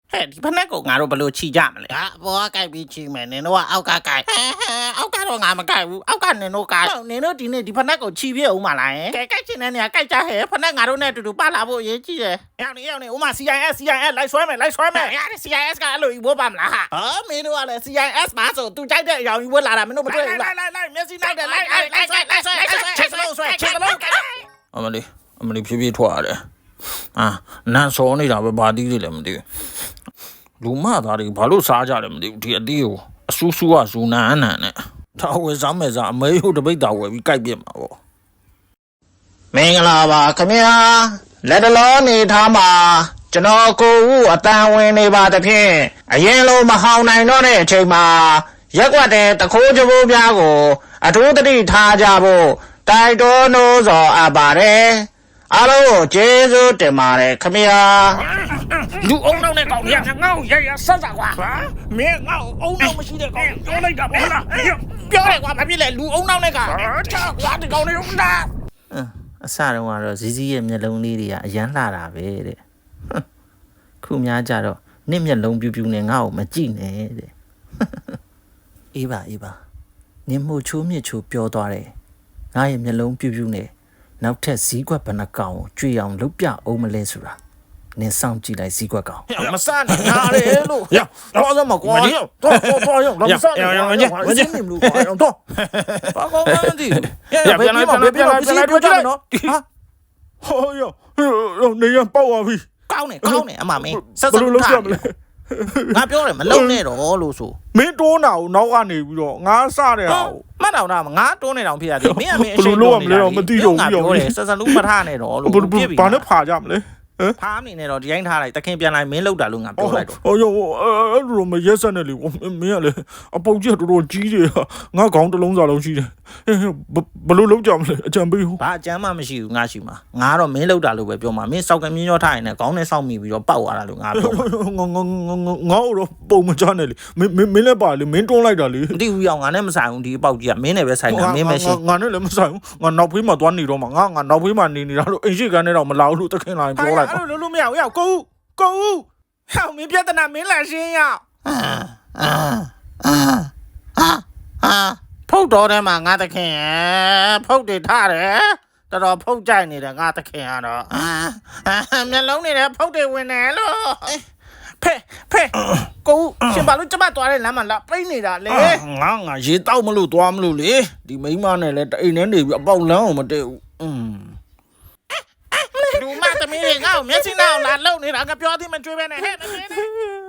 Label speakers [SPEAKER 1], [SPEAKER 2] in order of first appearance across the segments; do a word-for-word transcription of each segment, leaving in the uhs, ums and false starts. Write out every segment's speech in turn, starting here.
[SPEAKER 1] ဟဲ့ဒီဖက်နဲ့ကိုငါတို့ဘလို့ချီကြမလဲဟာဘောကကြိုက်ပြီးချီမယ်နင်တို့ကအောက်ကကြိုက်အောက်ကတော့ငါမကြိုက်ဘူးအောက်ကနင်တို့ကြိုက်နင်တို့ဒီနေ့ဒီဖက်နဲ့ကိုချီပြအောင်မလားကဲကြိုက်ချင်တဲ့နေရာကြိုက်ကြဟဲ့ဖက်နဲ့ငါတို့နဲ့အတူတူပတ်လာဖို့အရေးကြီးတယ်ရောက်နေရောက်နေဥမာ C I S C I S လိုက်ဆွဲမယ်လိုက်ဆွဲမယ်ဟာ C I S ကအဲ့လိုကြီးဘိုးပါမလားဟာမင်းတို့ကလည်း C I S ပါဆိုသူကြိုက်တဲ့အရာကြီးဝတ်လာတာမင်းတို့မတွေ့ဘူးလားလိုက်လိုက်လိုက်မျက်စိလိုက်တယ်လိုက်လိုက်လိုက်ဆွဲလိုက်ဆွဲချက်စလုံးဆွဲချက်စလုံးအမလေးအမလေးဖြည်းဖြည်းထွက်ရတယ်အာနန်းစောနေတာပဲဘာတီးလေးလည်းမသိဘူးလူမသားတွေဘာလို့စားကြတယ်မသိဘူးဒီအတီးကိုအဆူဆူကဇူနန်အနန်နဲ့ထားဝယ်စားမယ်စားအမေဟိုတပိတ်တာဝယ်ပြီးကြိုက်ပြစ်မှာပေါ့မင်္ဂလာပါခင်ဗျာလက်တလောနေထားမှာကျွန်တော်ကိုဦးအတန်ဝင်နေပါတဖြင့်အရင်လိုမဟောင်းနိုင်တော့တဲ့အချိန်မှာရက်ွက်တဲ့တခိုးကြိုးပြားကိုအထူးသတိထားကြဖို့တိုက်တွန်းလို့ဆိုအပ်ပါတယ်အားလုံးကိုကျေးဇူးတင်ပါတယ်ခင်ဗျာလူအုံနောက်နဲ့ကောင်းရငေါ့ရရဆက်စားကွာဟာမင်းငေါ့အုံနောက်မရှိတဲ့ကောင်ပြောလိုက်တာပေါ့လားပြောတယ်ကွာမဖြစ်လေလူအုံနောက်နဲ့ကချာကွာဒီကောင်လေးဦးလားအစတုန်းကတော့ဇီးဇီးရဲ့မျက်လုံးလေးတွေကအရန်လှတာပဲတဲ့ခုများကြတော့နှစ်မျက်လုံးပြူးပြူးနဲ့ငါ့ကိုမကြည့်နဲ့တဲ့အေးပါအေးပါနင်မှုချိုးမြစ်ချိုးပြောသွားတယ်ငါရဲ့မျက်လုံးပြူးပြူးနဲ့နောက်ထပ်ဇီးကွက်ဘဏ္ဍကောင်ကိုကြွေအောင်လုပ်ပြအောင်မလဲဆိုတာနင်စောင့်ကြည့်လိုက်ဇီးကွက်ကောင်မစနဲ့နားလေလို့တော့တော့မကွာတော့တော့တော့ရောမစနဲ့ရောရောငါကြီးငါကြီးမလို့ကွာတော့ဘာကောင်းလဲဒီရပြန်လိုက်ပြန်လိုက်ပြန်လိုက်ပြန်လိုက်ပြောကြမယ်နော်ဟာဟောရောနေရပေါက်သွားပြီကောင်းနေကောင်းနေအမမင်းဆက်ဆက်လုပ်ရမလဲငါပြောတယ်မလုံနဲ့တော့လို့ဆိုမင်းတိုးနာကိုနောက်ကနေပြီးတော့ငါစတဲ့ဟာကိုမှတ်တော့တာငါတိုးနေတော့ဖြစ်ရတယ်မင်းကမင်းအရှိန်လို့မလဲတော့မသိတော့ဘူးပြောတယ်ဆက်ဆက်လုံးမထားနဲ့တော့လို့ပြစ်ပြီဘာနဲ့ဖာကြမလဲဖားနေနဲ့တော့ဒီတိုင်းထားလိုက်တခင်ပြန်လိုက်မင်းလောက်တာလို့ငါပြောလိုက်တော့ဟောရောအဲ့လိုမရက်ဆက်နဲ့လေမင်းကလေအပုတ်ကြီးတော်တော်ကြီးတယ်ငါခေါင်းတစ်လုံးစာလုံးရှိတယ်ဘလို့လုံးကြမလဲအကြံပေးဟုတ်ဘာအကြံမှမရှိဘူးငါရှိမှာငါတော့မင်းလောက်တာလို့ပဲပြောမှာမင်းစောက်ကမြင်းရောထားရင်လည်းခေါင်းနဲ့စောက်မိပြီးတော့ပောက်သွားတာလို့ငါပြောငါငါငါငါတော့ပုံမချနဲ့လေမင်းမင်းလည်းပါလေမင်းတွန်းလိုက်တာလေမသိဘူးရောငါနဲ့မဆိုင်ဘူးဒီအပေါက်ကြီးကမင်းနဲ့ပဲဆိုင်တာမင်းမရှိငါနဲ့လည်းမဆိုင်ဘူးငါနောက်ဖေးမှာသွားနေတော့မှာငါငါနောက်ဖေးမှာနေနေတာလို့အိမ်ရှိကန်းနဲ့တော့မလာဘူးလို့တခင်လာရင်ပြောလိုက်အဲ့လိုလို့မရဘူးရောက်ကိုဦးကိုဦးဟောမင်းပြဿနာမင်းလာရှင်းရအာအာအာအာဖုတ်တော်ထဲမှာငါတခင်ဖုတ်တွေထားတယ်တော်တော်ဖုတ်ကြိုက်နေတယ်ငါတခင်ကတော့အာမျက်လုံးနေတယ်ဖုတ်တွေဝင်တယ်လို့ဖဲဖဲကိုရှင်ဘာလို့ကျမသွားတဲ့လမ်းမှာလာပိတ်နေတာလဲငါငါရေတောက်မလို့သွားမလို့လေဒီမိန်းမနဲ့လည်းတိမ်နဲ့နေပြီးအပေါက်လမ်းအောင်မတည့်ဘူးอืมလူမသမီးတွေငါ့ကိုမျက်စိနှောက်လာလုံနေတာငါပြောသည်မကြွေးပဲနဲ့ဟဲ့သမီး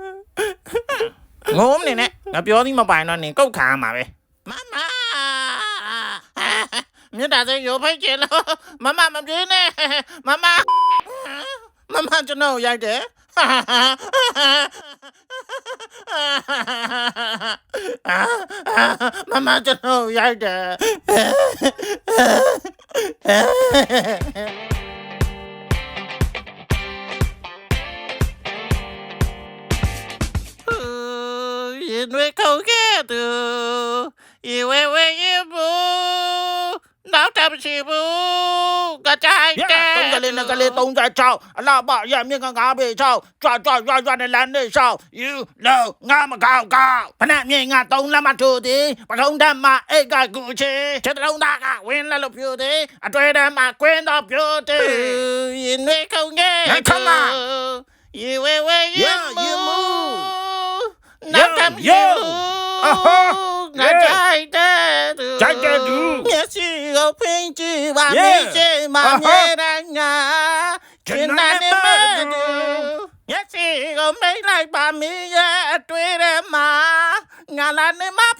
[SPEAKER 1] ငုံနေနဲ့ငါပြောသည်မပိုင်တော့နင်ကုတ်ခါမှာပဲမမမြတ်တာစေရိုဖိတ်ကျလို့မမမပြေးနဲ့မမမမကျွန်တော်ရိုက်တယ်မမကျွန်တော်ရိုက်တယ်ရင်တွေခုတ်ခဲ့သူရေဝဲဝဲရေဘူးနောက်တမရှိဘူးကကြိုက်တယ်တုံးကလေးနဲ့ကလေးသုံးကြချောင်းအလားပါရမြင့်ကငါးပေချောင်းကြွကြွကြွကြွနဲ့လမ်းနေချောင်း you know ငါမကောက်ကောက်ဖနက်မြင့်ငါသုံးလက်မထိုးသည်ပထုံးတမ်းမှာအိတ်ကကူချေချက်တုံးသားကဝင်းလက်လို့ပြိုသည်အတွေ့တမ်းမှာကွင်းတော့ပြိုသည်ရင်တွေခုတ်ခဲ့ရေဝဲဝဲရေဘူးနောက်တမရှိဘူးငါကြိုက်တယ်သူကြိုက်တယ်သူမျက်စိကိုဖိန်ကြည့်ပါမျက်စိမှာမြဲတမ်းငါကျင်နာနေမယ်သူမျက်စိကိုမိတ်လိုက်ပါမင်းရဲ့အတွေ့ထဲမှာငါလာနေမှာ